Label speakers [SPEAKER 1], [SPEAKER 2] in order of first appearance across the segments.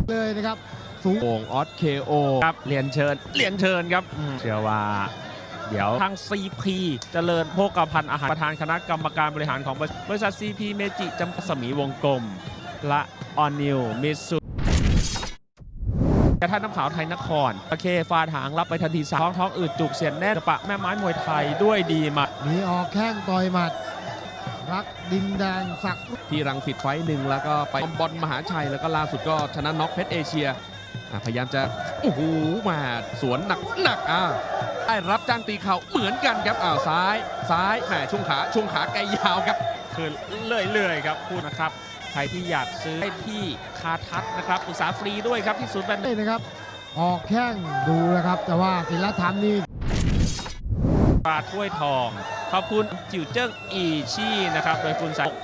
[SPEAKER 1] เลยนะครับสูง
[SPEAKER 2] โอ่งออสเคโอ
[SPEAKER 3] ครับเรียนเชิญครับเชื่อว่าเดี๋ยวทาง CP เจริญโภคภัณฑ์อาหารประธานคณะกรรมการบริหารของบริษัท CP เมจิจำกัดสมีวงกลมและออนิวมิตซูกระทะน้ำขาวไทยนครโอเคฟาดหางรับไปทันทีท้องอืดจุกเสียนแน่นกระปะแม่ไม้มวยไทยด้วยดีมา
[SPEAKER 1] มีออกแข้งต่อยหมัดรักดินแดงสัก
[SPEAKER 2] ที่รังสิตไฟต์หนึ่งแล้วก็ไปบอลมหาชัยแล้วก็ล่าสุดก็ชนะน็อกเพชรเอเชียพยายามจะโอ้โหมาสวนหนักได้รับจ้างตีเข่าเหมือนกันครับซ้ายแหมช่วงขาไกลยาวครับ
[SPEAKER 3] คือเรื่อยๆครับพูดนะครับใครที่อยากซื้อได้ที่คาทัศน์นะครับปรึกษาฟรีด้วยครับที่ศูนย์แบน
[SPEAKER 1] นี่นะครับออกแข้งดูนะครับแต่ว่าศิลธรรมนี่
[SPEAKER 3] ปลาถ้วยทองขอบคุณจิ๋วเจิ้งอีชี่นะครับโดยคุณสาย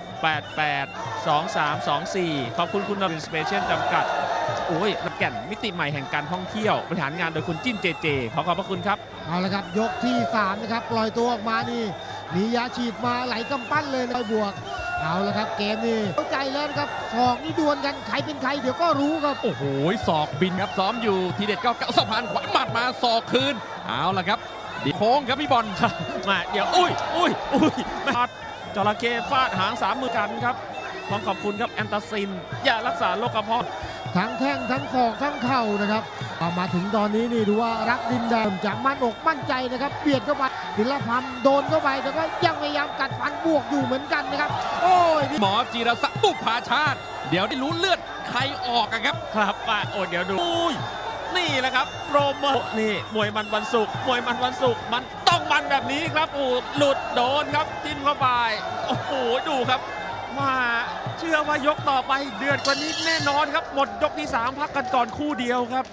[SPEAKER 3] 882324ขอบคุณคุณนรินทร์สเปเชียลจำกัดโอ้ยนักแก่นมิติใหม่แห่งการท่องเที่ยวบริหารงานโดยคุณจิ้นเจเจขอบพระคุณครับ
[SPEAKER 1] เอาละครับยกที่3นะครับปล่อยตัวออกมานี่มียาฉีดมาไหลกำปั้นเลยนะบวกเอาละครับเกมนี่เข้าใจแล้วนะครับศอกนี่ดวลกันใครเป็นใครเดี๋ยวก็รู้ครับ
[SPEAKER 2] โอ้โหศอกบินครับซ้อมอยู่ทีเด็ดก็สะพานขวาหมัดมาศอกคืนเอาละครับดีโค้งครับพี่บอล
[SPEAKER 3] มาเดี๋ยวอุ้ยมาจระเข้ฟาดหางสามมือกันครับพร้อมขอบคุณครับแอนตาซินยารักษาโรคกระเพาะ
[SPEAKER 1] ทั้งแข้งทั้งศอกทั้งเข่านะครับมาถึงตอนนี้นี่ดูว่ารักดินแดงจะมั่นอกมั่นใจนะครับเบียดเข้าไปศิลพันธ์โดนเข้าไปแต่ก็ยังพยายามกัดฟันบวกอยู่เหมือนกันนะครับโอ้ย
[SPEAKER 2] หมอจีรศักดิ์บุพภาชาติเดี๋ยวได้รู้เลือดใครออกอะครับ
[SPEAKER 3] ครับป้าโอ้เดี๋ยวดูอุ้ยนี่แหละครับโปรโมทนี่มวยมันวันศุกร์มันต้องมันแบบนี้ครับโอ้หลุดโดนครับจิ้มเข้าไปโอ้โหดูครับมาเชื่อว่ายกต่อไปเดือดกว่านี้แน่นอนครับหมดยกที่3พักกันก่อนคู่เดียวครับ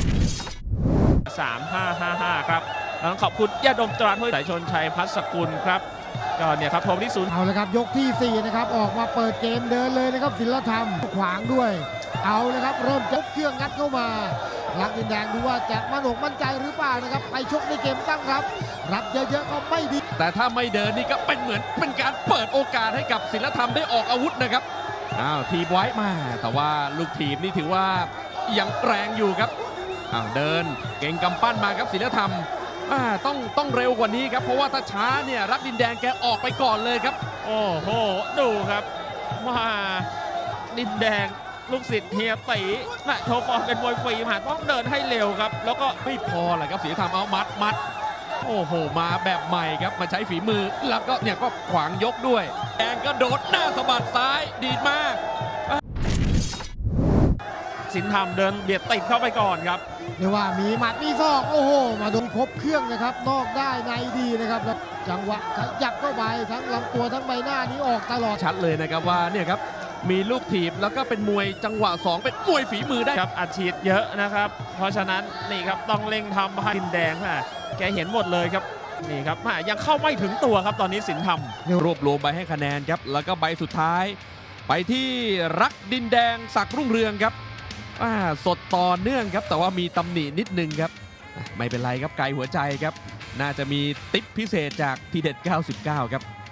[SPEAKER 3] 3555ครับแล้วขอบคุณยาดมตราถ้วยสายชนชัยพัสกุลครับก็เนี่ยครับโทรที่ศูนย์
[SPEAKER 1] เอาละครับยกที่4นะครับออกมาเปิดเกมเดินเลยนะครับศิลธรรมขวางด้วยเอาเลยครับเริ่มจะเครื่องงัดเข้ามารักดินแดงดูว่าจะมั่นอกมั่นใจหรือเปล่านะครับไปชกในเกมตั้งรับเยอะๆก็ไม่ดี
[SPEAKER 2] แต่ถ้าไม่เดินนี่ก็เป็นเหมือนเป็นการเปิดโอกาสให้กับศิลธรรมได้ออกอาวุธนะครับทีบไว้มาแต่ว่าลูกทีมนี่ถือว่ายังแรงอยู่ครับเดินเก่งกำปั้นมาครับศิลธรรมต้องเร็วกว่านี้ครับเพราะว่าถ้าช้าเนี่ยรักดินแดงแกออกไปก่อนเลยครับ
[SPEAKER 3] โอ้โหดูครับมาดินแดงลูกศิษย์เฮียตีนะโชว์ฟอร์มเป็นมวยฟรีมาต้องเดินให้เร็วครับแล้วก็
[SPEAKER 2] ไม่พอแหละครับศิลธรรมเอามัดโอ้โหมาแบบใหม่ครับมาใช้ฝีมือแล้วก็เนี่ยก็ขวางยกด้วยแดงก็โดดหน้าสะบัดซ้ายดีมาก
[SPEAKER 3] สินธรรมเดินเบียดติดเข้าไปก่อนครับ
[SPEAKER 1] เรียกว่ามีหมัดมีศอกโอ้โหมาโดนครบเครื่องนะครับนอกได้ในดีนะครับแล้วจังหวะขยับเข้าไปทั้งลำตัวทั้งใบหน้านี้ออกตลอด
[SPEAKER 2] ชัดเลยนะครับว่าเนี่ยครับมีลูกถีบแล้วก็เป็นมวยจังหวะ2เป็นมวยฝีมือได้
[SPEAKER 3] ครับอัดฉีดเยอะนะครับเพราะฉะนั้นนี่ครับต้องเร่งทำให้ดินแดงนะแกเห็นหมดเลยครับนี่ครับยังเข้าไม่ถึงตัวครับตอนนี้สินธรรม
[SPEAKER 2] รวบรวมไปให้คะแนนครับแล้วก็ใบสุดท้าย ไปที่รักดินแดงศักดิ์รุ่งเรืองครับสดต่อเนื่องครับแต่ว่ามีตำหนินิดนึงครับไม่เป็นไรครับไกลหัวใจครับน่าจะมีติ๊บพิเศษจากทีเด็ด 99 ครับ